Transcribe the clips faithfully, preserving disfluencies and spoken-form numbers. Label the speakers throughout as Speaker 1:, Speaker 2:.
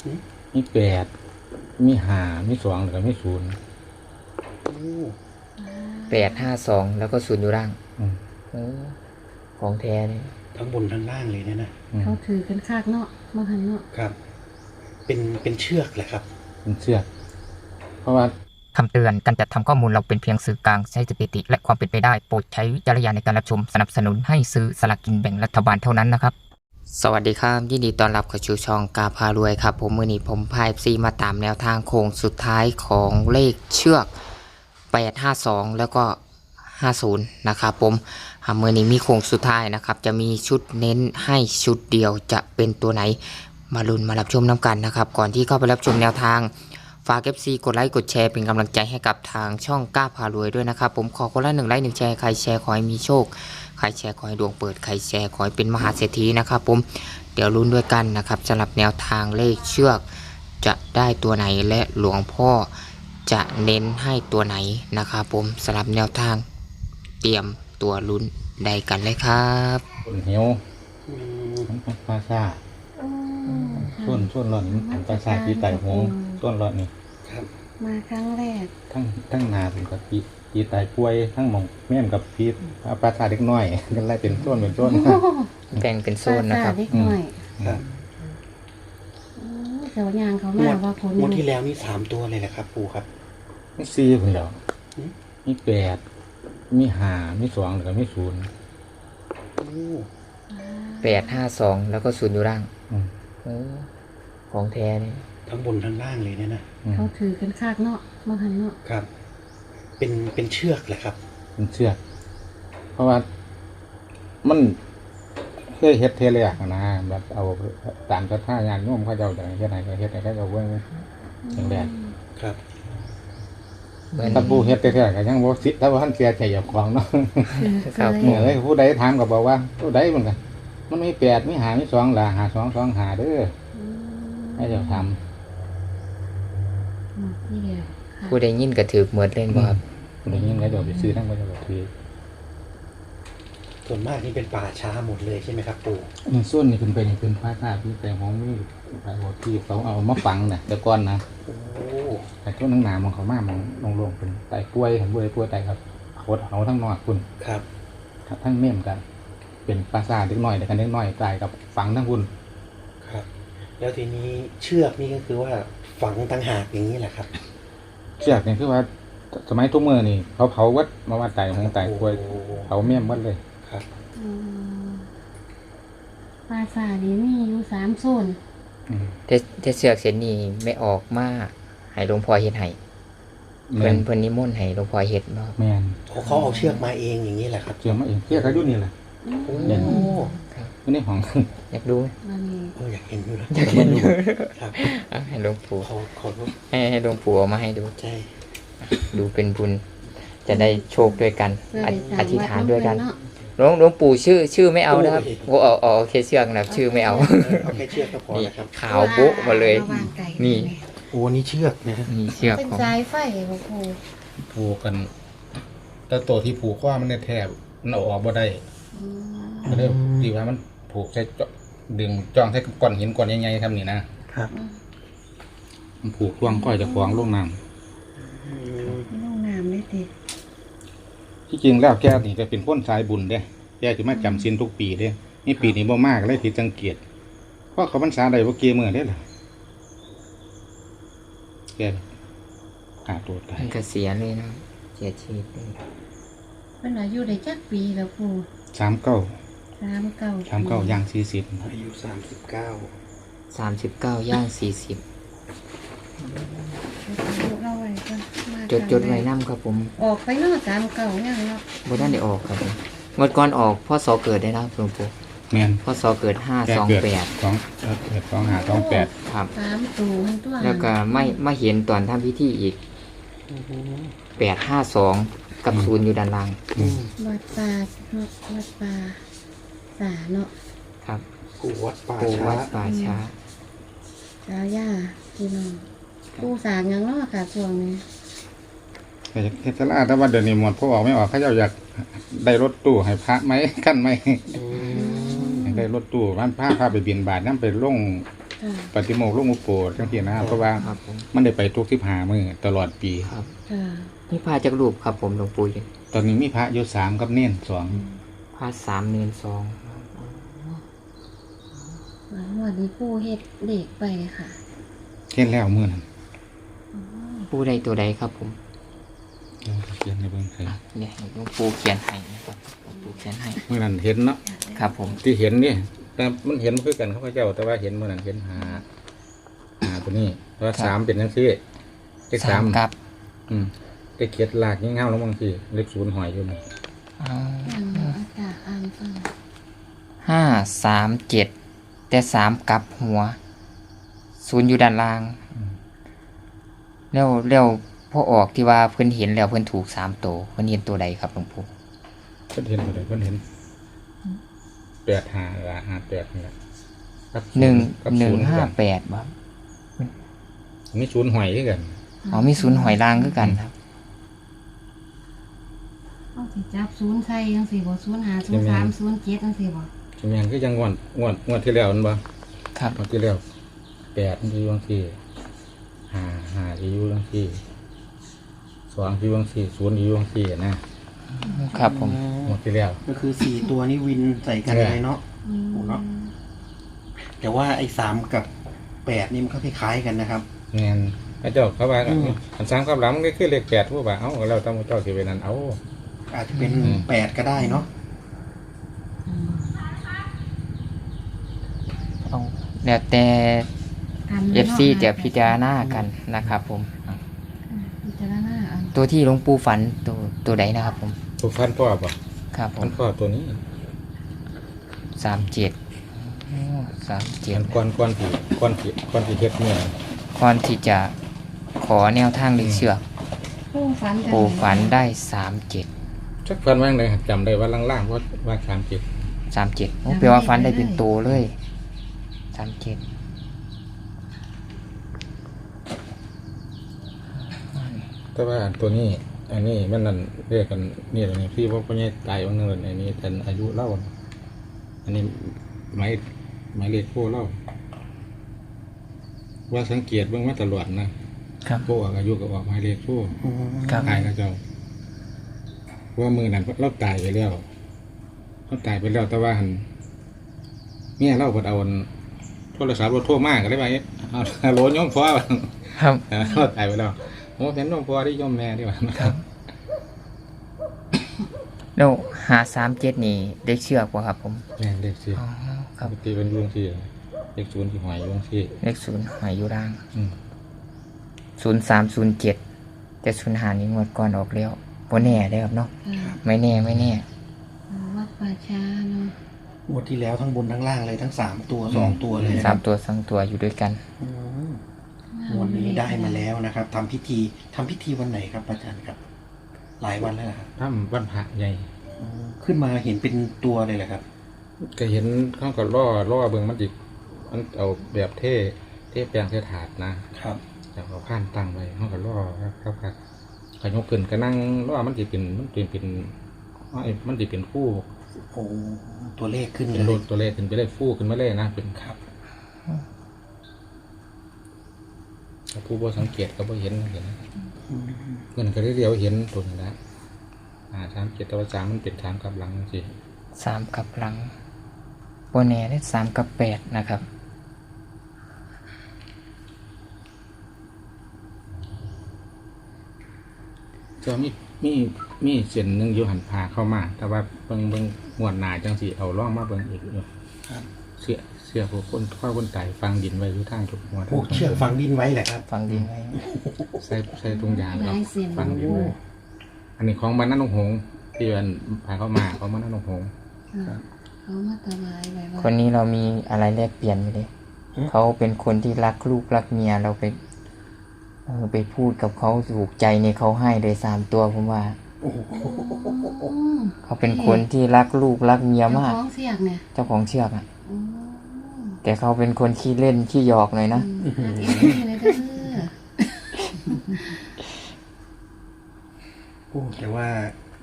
Speaker 1: มีแปดมีห้ามีสองแล้วก็มีศูนย์
Speaker 2: แปดห้าสองแล้วก็ศูนย์อยู่ล่าง
Speaker 1: อืม
Speaker 2: โอ้ของแท้เนี่ย
Speaker 3: ทั้งบนทั้งล่างเลยเนี่ยนะ
Speaker 1: อืม
Speaker 4: เขาถือกันคากเนาะมาหันเนาะ
Speaker 3: ครับ เป็นเป็นเชือกแหละครับ
Speaker 1: เป็นเชือกเพราะว่า
Speaker 5: คำเตือน การจัดทำข้อมูลเราเป็นเพียงสื่อกลางใช้สถิติ และความเป็นไปได้ โปรดใช้วิจารณญาณในการรับชม สนับสนุนให้ซื้อสลากกินแบ่งรัฐบาลเท่านั้นนะครับ สวัสดีครับยินดีต้อนรับเข้าสู่ช่องกาพารวยครับ ผมมือนี้ผมพายซีมาตามแนวทางโค้งสุดท้ายของเลขเชือกแปดห้าสองแล้วก็ห้าศูนย์นะครับผมอ่ามือนี้มีโค้งสุดท้ายนะครับจะมีชุดเน้นให้ชุดเดียวจะเป็นตัวไหนมาลุ้นมารับชมน้ำกันนะครับก่อนที่เข้าไปรับชมแนวทางฝาก เอฟ ซี กดไลค์กดแชร์เป็นกำลังใจให้กับทางช่องกล้าพารวยด้วยนะครับผมขอคนละหนึ่งไลค์หนึ่งแชร์ใครแชร์ขอให้มีโชคใครแชร์ขอให้ดวงเปิดใครแชร์ขอให้เป็นมหาเศรษฐีนะครับผมเดี๋ยวลุ้นด้วยกันนะครับสำหรับแนวทางเลขเชือกจะได้ตัวไหนและหลวงพ่อจะเน้นให้ตัวไหนนะครับผมสำหรับแนวทางเตรียมตัวลุ้นได้กันเลยครับ
Speaker 1: คนเหี่ยวมันเป็นปลาซ่าส่วนส่วนรอดนี่มันเป็นปลาซ่าที่ไต่หงส่วนรอดนี่
Speaker 3: ครับ
Speaker 4: มาครั้งแรก
Speaker 1: ทั้งทั้งนาเป็นกับปีปีไต่ป่วยทั้งหมองแม่มกับพีปลาซ่าเล็กน้อยกันไล่เป็นส่วนเป็นส่วน
Speaker 2: แบ่งเป็นโซนนะครับ
Speaker 4: ปลาซ่าเล็กหน่อย
Speaker 3: ครับ
Speaker 4: โอ้เดี๋ยวยางเขา
Speaker 3: ง
Speaker 4: มาว
Speaker 3: ด
Speaker 4: ว่าผล
Speaker 3: งวดที่แล้วนี่สามตัวเลยแหละครับปู่ครับ
Speaker 1: มีสี่คนเดียว
Speaker 3: อืม
Speaker 1: มีแปดมีห้ามีสองแล้วก็มีศูนย์
Speaker 2: แปดห้าสองแล้วก็ศูนย์อยู่ล่าง
Speaker 1: อืม
Speaker 2: โอ้ของแท้เนี่ย
Speaker 3: ทั้งบนทั้งล่างเลยเนี่ยนะ
Speaker 1: อืม
Speaker 4: เขาถือกันคากเนาะมาหันเนาะ
Speaker 3: ครับ เป็นเป็นเชือกแหละครับ
Speaker 1: เป็นเชือกเพราะว่ามันเคยเฮ็ดเทเลยอะนะแบบเอาตามกระท่างานโน้มเขาเจ้าอย่างเฮ็ดไหนก็เฮ็ดไหนก็เอาไว้อย่างแรก
Speaker 3: ครับ
Speaker 2: เหมือน
Speaker 1: ถ้าผู้เฮ็ดแท้ๆก็ยังบ่สิถ้าว่าท่านเสียใจเจ้าของเนาะ
Speaker 4: ถือ
Speaker 2: ครับ
Speaker 4: เค
Speaker 1: เมื่อย เลยผู้ใดถามก็บอกว่าผู้ใดมันก็มันมีแปดมีห้ามีสองล่ะหาสองสองหาเด้อ
Speaker 4: อืม
Speaker 1: ให้เจ้าทำ
Speaker 4: หมดที่เดียวค่ะ
Speaker 2: ผู้ใดยินกระถือเหมือนเล่นบ่ครับ
Speaker 1: ผู้ใดยินก็เดี๋ยวไปซื้อทั้งก็จะบ่ถือ
Speaker 3: ส่วนมากนี่เป็นป่าช้าหมดเลยใช่ไหมครับปู่
Speaker 1: นี่ส่วนนี่ขึ้นไปนี่ขึ้นฟ้าซ่าพี่แต่ของมีไปบ่ที่เขาเอามาฝังน่ะแต่ก่อนนะ
Speaker 3: โอ้
Speaker 1: แต่ช่วงหนาวๆมันเขามามองลงๆเป็นไตป่วยของป่วยป่วยไตครับโคตรเอาทั้งนอกคุณ
Speaker 3: ครับ
Speaker 1: ทั้งเมี่ยมกัน เป็นปลาซ่าเล็กน้อยแต่กันเล็กน้อยตายกับฝังทั้งคุณ
Speaker 3: ครับ แล้วทีนี้เชือกนี่ก็คือว่าฝังต่างหากอย่างนี้แหละครับ
Speaker 1: เชือกนี่คือว่าสมัยทุกเมื่อนี่เขาเผาวัดมาว่าไตของไตป่วย
Speaker 3: โอ้
Speaker 1: เผาเมี่ยมวัดเลย
Speaker 3: ครับ
Speaker 4: อืมปลาซ่านี่มีอยู่สามโซน
Speaker 1: อืม
Speaker 2: เทเทเสือกเส้นนี้ไม่ออกมาให้หลวงพ่อเฮ็ดให้
Speaker 1: แม
Speaker 2: เพิ่น
Speaker 1: น
Speaker 2: เพิ่นนิมนต์ให้หลวงพ่อเฮ็ดบ่ครับ
Speaker 1: แมน
Speaker 3: เขาเขาเอาเชือกมาเองอย่างนี้แหละครับ
Speaker 1: เชือกมาเองเชือกเขาอยู่นี่แหละ
Speaker 3: โอ้
Speaker 1: เด่น
Speaker 2: ครับ
Speaker 1: อยู่ในห้อง
Speaker 2: อยากดู
Speaker 4: มันมี
Speaker 3: เอออยากเห็นอยู่นะ
Speaker 2: อยากเห็นอยู่
Speaker 3: ครับ
Speaker 2: เอาให้หลวงปู่
Speaker 3: เขาเขา
Speaker 2: ให้ให้หลวงปู่เอามาให้ดู
Speaker 3: ใช่
Speaker 2: ดูเป็นบุญจะได้โชคด้วยกัน
Speaker 4: เพื่อ
Speaker 2: อ
Speaker 4: ไปสร้าง
Speaker 2: อธิษฐานด้วยกัน
Speaker 4: เนาะ
Speaker 2: หลวงหลวงปู่ชื่อชื่อไม่เอานะครับโอ้เอาเอาเอาแค่เชือกนะครับชื่อไม่เอา
Speaker 3: เออเอาแค่เชือกก็พอ
Speaker 2: นี่
Speaker 3: นะครับ
Speaker 2: ขาวโบ๊ะมาเลย
Speaker 4: ระหว่างไก่
Speaker 2: นี่
Speaker 3: โอ้นี่เชือกนะ
Speaker 2: มีเชือก
Speaker 4: เป็น
Speaker 2: ของ
Speaker 4: สายไฟบ่ครู
Speaker 1: ผูกกัน แต่ตัวที่ผูกว่ามันได้แทบมันเอาออกบ่ได้
Speaker 4: อืม
Speaker 1: ก็เลยดีว่ามันผูกใช้จดึงจ้องใช้ก้อนหินก้อนใหญ่ๆทำนี่นะครับ มันผูกล่วงก้อยจะคล้องลงน้
Speaker 3: อืม
Speaker 4: ลงน้ำได้ติ
Speaker 1: ำที่จริงแล้วแกนี่จะเป็นพ้นสายบุญเด้แกจะมาจำศีลทุกปีเด้นี่ปีนี้บ่มากเลยผิดสังเกตเพราะเขาพรรษาใดบ่เกี่ยมือได้ล่ะแกฆ่าตัวตาย
Speaker 2: มันก็เสียเลยนะเสียชีวิตเลย
Speaker 4: เป็นอายุได้จักปีแล้วครู
Speaker 1: สามเก้า
Speaker 4: สามเก้า
Speaker 1: สามเก้าย่างสี่สิบ
Speaker 3: อายุสามสิบเก้า
Speaker 2: สามสิบเก้าย่างสี่สิบ
Speaker 4: เราไว้ก่อนมา
Speaker 2: จดจดไว้น้ำครับผม
Speaker 4: ออกไปเนาะสามเก้ายังเนาะ
Speaker 2: บ่ได้ได้ออกครับผมงวดก่อนออกพ่อสอเกิดได้นะครับหลวงปู่
Speaker 1: แมน
Speaker 2: พ่อสอเกิดห้า
Speaker 1: แก
Speaker 2: สอง
Speaker 1: เกิด
Speaker 2: แปด
Speaker 1: สองเอ่อเกิดสองหาสองแปด
Speaker 2: ครับ
Speaker 4: สามตูมันตัว
Speaker 2: แล้วก็ไม่ไม่เห็นตอนทำพิธีอีกแปดห้าสองกับศูนย์อยู่ด้านล่าง
Speaker 4: วัดป่าเนาะวัดป่าสาเนาะ
Speaker 2: ครับ
Speaker 3: กูวัดป่า
Speaker 2: ปู
Speaker 3: ช้า
Speaker 2: วัดป่าช้า
Speaker 4: สาย่าพี่น้องปูสางยังเนาะค่ะช่วงนี้
Speaker 1: แต่เทศลาแต่ว่าเดี๋ยวนี้หมดพอออกไม่ออกเขาเจ้าอยากได้รถตู้ให้พระไหมขั้นไหม
Speaker 3: อืม
Speaker 1: อยากได้รถตู้ร้านพระพาไปบินบาทนั่นไปลง
Speaker 4: ถค่ะ
Speaker 1: ปฏิโมกข์หลวงปู่โปรดจังซี่นะเพราะว่า
Speaker 2: ครับผม
Speaker 1: มันได้ไปทุกสิบห้ามื้อตลอดปี
Speaker 2: ครับ
Speaker 4: ค่ะ
Speaker 2: นี่พาจากรูปครับผมหลวงปู่
Speaker 1: ตอนนี้มีพระอยู่สามกับเน้นสอง
Speaker 2: พาสามเนินสอง
Speaker 4: วันนี้ปูเฮ็ดเด็กไปค่ะ
Speaker 1: เห็นแล้วมื้อนั้น
Speaker 2: ปู่ใดตัวใดครับผม
Speaker 1: เดี๋ยวเขียนให้เบิ่งให้
Speaker 2: อ่ะเนี่ยให้หลวงปู่เขียนให้นะครับหลวงปู่เขียนให้
Speaker 1: มื้อนั้นเห็นเนาะ
Speaker 2: ครับผม
Speaker 1: ที่เห็นนี่แต่มันเห็นคือกันเขาพเจ้า แต่ว่าเห็นมื้อนั้นเห็นหาหาตัวนี้เพราะว่าสามเป็นจังซี่เลข
Speaker 2: สา
Speaker 1: สาม ม
Speaker 2: กับ
Speaker 1: อืมเลขเขียดลากยิ่งเงาแล้วบางทีเลขศูนย์หอยอยู่นี่
Speaker 2: อ๋อ
Speaker 4: อ่านอากาศอ่านฟัง
Speaker 2: ห้าสามเจ็ดแต่สามกลับหัวศูนย์อยู่ด้านล่างแล้วแล้วพอออกที่ว่าเพิ่นเห็นแล้วเพิ่นถูกสามตัวเพิ่นเห็นตัวใดครับหลวงปู่
Speaker 1: เพิ่นเห็นบ่ได้เพิ่นเห็นแปดหาละหาแปดนี่แหละกับศู
Speaker 2: หนึ่ง
Speaker 1: กับ
Speaker 2: หนึ่ง
Speaker 1: ศูย์
Speaker 2: ห้า
Speaker 1: คือกัน
Speaker 2: แปดบ่
Speaker 1: มีศูนย์หอยคือกัน
Speaker 2: อ๋อมีศูนย์หอยล่างคือกันครับ
Speaker 4: เอาสิจับศูนย์ใส่จังสี่บ่ศูนย์ห้าศูนย์สามศูนย์เจ็ดจังสี่บ่
Speaker 1: ใช่ไหมคือยังงวดงวดงวดที่แล้วนั่นบ่
Speaker 2: ครับ
Speaker 1: งวดที่แล้วแปดมันอยู่บางทีห้าห้าอยู่บางทีสองอยู่บางทีศูนย์อยู่บางทีนะครับ
Speaker 2: ผม
Speaker 1: งวดที่แล้ว
Speaker 3: ก็คือสี่ตัวนี้วินใส่กันเลยเนาะ
Speaker 4: อืม
Speaker 3: โอ้เนาะ แต่ว่าไอ้สามกับแปดนี่มันก็คล้ายๆกันนะครับ
Speaker 1: แม่นพระเจ้าเขาว่า
Speaker 3: อืม
Speaker 1: อันสามกับหลังมันก็คือเลขแปดผู้ว่าเอ้าเราต้องเจ้าสิไปนั่นเอา
Speaker 3: อาจจะเป็น
Speaker 1: อืม
Speaker 3: แปดก็ได้เนาะ
Speaker 4: อืม
Speaker 2: เอาแล้วแต่
Speaker 4: กัน
Speaker 2: เอฟซีจะพิจารณากันนะครับผมอ่ะ
Speaker 4: พิจารณาอัน
Speaker 2: ตัวที่หลวงปู่ฝันตัวตัวใดนะครับผม
Speaker 1: ตัวฟันพ่อบ่
Speaker 2: ครับผ
Speaker 1: ฟั
Speaker 2: ม
Speaker 1: นพ่อตัวนี้
Speaker 2: สามเจ็ดสามเจ็ด
Speaker 1: มันก้อนก้อนที่ก้อนที่ก้อนที่เฮ็ดเนี่ย
Speaker 2: ก่อนที่จะขอแนวทางลึกเชือก
Speaker 4: ปูฝันจัง
Speaker 2: ปู่ฝันได้สามเจ็ด
Speaker 1: ชักฟันว่าจั่งใดจำได้ว่าล่างๆว่าว่าสามเจ็ด
Speaker 2: สามเจ็ดแปลว่าฝันได้เป็นตัวเลยสามเจ็ด
Speaker 1: แต่ว่าตัวนี้ อันนี้มันนั่นเรียกกันนี่ตัวนี้พี่ว่าพ่อใหญ่ตายวันนึงอันนี้ท่านอายุเล่าอันนี้หมายหมายเลขโค้เล่าว่าสังเกตเบื้องมาตลอดนะครับ โค้อายุก็ออกหมายเลขโค้
Speaker 3: อืม
Speaker 2: ครับ
Speaker 1: ตายแล้วเจ้าว่ามือนั้นเราตายไปแล้วเราตายไปแล้วแต่ว่าหันเมียเราเพิ่นเอาอันโทรศัพท์รถโทรมากก็ได้ไปเอาเอาโหลโยมพ่อ
Speaker 2: ครับ
Speaker 1: เราตายไปแล้วโอ้เป็นโยมพ่อที่โยมแม่ดีกว่า
Speaker 2: ครับแล้วหาสามเจ็ดนี่ได้เชือกป่ะครับผม
Speaker 1: แม่นเลขสี่
Speaker 2: อ๋อครับ
Speaker 1: ปกติเป็นยวงสี่เลขศูนย์ที่หอยยวงสี่
Speaker 2: เลขศูนย์หายอยู่ล่าง
Speaker 1: อืม
Speaker 2: ศูนย์สามศูนย์เจ็ดแต่ศูนย์หานี้งวดก่อนออกแล้วโบแน่ได้อครับเนาะ
Speaker 4: ค่ะ
Speaker 2: ไม่แน่ไม่แน่
Speaker 4: วัดป่าช้าเนาะ
Speaker 3: งวดที่แล้วทั้งบนทั้งล่างเลยทั้งสามตัวสองตัวเลยนะค
Speaker 2: สา
Speaker 3: รั
Speaker 2: ม
Speaker 3: บ
Speaker 2: ตัวสองตัวอยู่ด้วยกัน
Speaker 3: อืมงวดนี้ได้มาแล้วนะครับทำพิธีทำพิธีวันไหนครับอาจารย์ครับ หลายวันแล้วเหรอครับ
Speaker 1: ถ้ำวันพระใหญ่
Speaker 3: อืมขึ้นมาเห็นเป็นตัวเลยเหรอครับ
Speaker 1: ก็เห็นเขาก็ล่อล่อเบิ่งมันจิมันเอาแบบเท่เท่แปลงเท่ถาดนะครับ แต่เขาผ่านตั้งไว้เขาก็ล่อครับครับครับขยกขึ้นก็นั่งล่อมันจิเป็นมันเป็นเป็นไอ้มันจิเป็นคู่
Speaker 3: โอ้ตัวเลขขึ้นเล
Speaker 1: เป็น
Speaker 3: ย
Speaker 1: โลดตัวเลขขึ้นไปเลยฟูขึ้นมาเลยนะเป็น
Speaker 3: ครับ
Speaker 1: ถ้าผู้บ่สังเกตก็บ่เห็นเห็น
Speaker 3: อืม
Speaker 1: เงินก็ได้เดียวเห็นตัวนี้นะอ่าสามเจ็ดตัวสามมันเป็นสามกับหลังสิ
Speaker 2: สามกับหลังโบแน่ได้สามกับแปดนะครับ
Speaker 1: จะมีมีมีเส้นหนึ่งอยู่หันพาเข้ามา แต่ว่าเบิ่งเบิ่งมวนหนาจังสิเอาล่องมาเบิ่งอีกอยู่
Speaker 3: ครับ
Speaker 1: เสียเสียผู้คนข้าคนตายฟังดินไว้อยู่ทางทุกหัว
Speaker 3: ผูกเชือกฝังดินไว้แหละครับ
Speaker 2: ฟังดีไหม
Speaker 1: ใส่ใส่ตรงยาง
Speaker 4: ห
Speaker 1: ครั
Speaker 4: ลา
Speaker 1: บ
Speaker 4: ยเส้น
Speaker 1: ฟังดินไว้อันนี้ของบ้านนั่นหงส์ที่มันพาเข้ามาของบ้านนั่นหงส์
Speaker 4: ค่ะเขามาถวายไว้ว่า
Speaker 2: คนนี้เรามีอะไรแลกเปลี่ยนไหมเลยเขาเป็นคนที่รักลูกรักเมียเราไปเออไปพูดกับเขาถูกใจในเขาให้เลยสามตัวผมว่า
Speaker 3: โอ้โห
Speaker 4: อืม
Speaker 2: เขาเป็นคนที่รักลูกรักเมีย
Speaker 4: เจ้าม
Speaker 2: าก
Speaker 4: ของเสียกเนี่ย
Speaker 2: เจ้าของเชือกอะ
Speaker 4: อืม
Speaker 2: แต่เขาเป็นคนขี้เล่นขี้หยอกหน่อยนะ
Speaker 4: อืมอันนี้เลยเด้อ
Speaker 3: โอ้แต่ว่า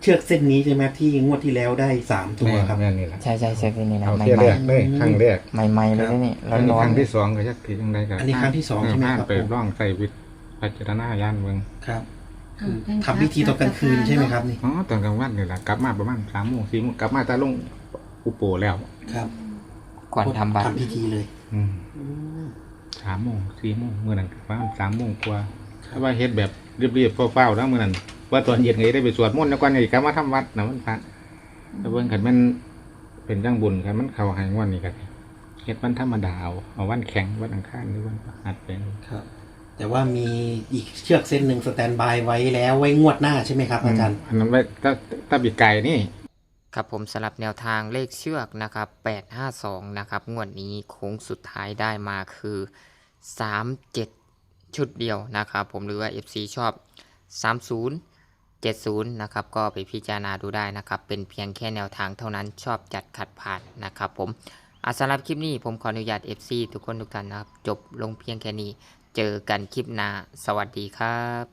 Speaker 3: เชือกเส้นนี้ใช่ไหมที่งวดที่แล้วได้สามตัว
Speaker 1: แม่
Speaker 3: ครับ
Speaker 1: แม่นี่แหละ
Speaker 2: ใช่ใช่ใช่เป็นนี่นะ
Speaker 1: เอา
Speaker 2: ใหม่
Speaker 1: เที่ย
Speaker 2: ใหม่
Speaker 1: แรกเลยครั้งแรก
Speaker 2: ใหม่ใหม่ๆเลยนะนี่
Speaker 1: อันนี้
Speaker 2: ร้อ
Speaker 1: คน รั้ง
Speaker 2: ๆ
Speaker 1: ที่สองก็จะถือยังไงกัน
Speaker 3: อันนี้ครั้งที่สองใช่ไหมครับ
Speaker 1: ไปร่องใส่วิทย์พิจารณาญาณเมือง
Speaker 3: ครับคือทำพิธีตอนกลางคืนใช่ไหมครับนี่
Speaker 1: อ๋อตอนกลางวันนี่แหละกลับมาประมาณสามโมงสี่โมงกลับมาจะลงอุโปแล้ว
Speaker 3: ครับ
Speaker 2: ก่อนทำบัตร
Speaker 3: ทำพิธีเลย
Speaker 1: อืม
Speaker 3: อืม
Speaker 1: สามโมงสี่โมงเมื่อนั้นประมาณสามโมงกว่าถ้าว่าเฮ็ดแบบเรียบๆเฝ้าๆแล้วเมื่อนั้นว่าตอนเย็นไงได้ไปสวดมนต์แล้วก่อนไงกลับมาทำวัดนะมันพระแต่เบิ่งขันมันเป็นจังบุญขันมันเข้าใหายวันนี้กันเฮ็ดวันธรรมดาเอาเอาวันแข็งวันอังคารหรือวันพฤหัสเป็น
Speaker 3: ครับ แต่ว่ามีอีกเชือกเส้นหนึ่งสแตนบายไว้แล้วไว้งวดหน้าใช่ไหมครับอาจารย์
Speaker 1: อันนั้นไว้ถ้าถ้าปีกไก่นี่
Speaker 5: ครับผมสำหรับแนวทางเลขเชือกนะครับแปดห้าสองนะครับงวดนี้โค้งสุดท้ายได้มาคือสามเจ็ดชุดเดียวนะครับผมหรือว่า เอฟ ซี ชอบสามศูนย์ เจ็ดศูนย์นะครับก็ไปพิจารณาดูได้นะครับเป็นเพียงแค่แนวทางเท่านั้นชอบจัดขัดผ่านนะครับผมอาสำหรับคลิปนี้ผมขออนุญาต เอฟ ซี ทุกคนทุกท่านนะครับจบลงเพียงแค่นี้เจอกันคลิปหน้าสวัสดีครับ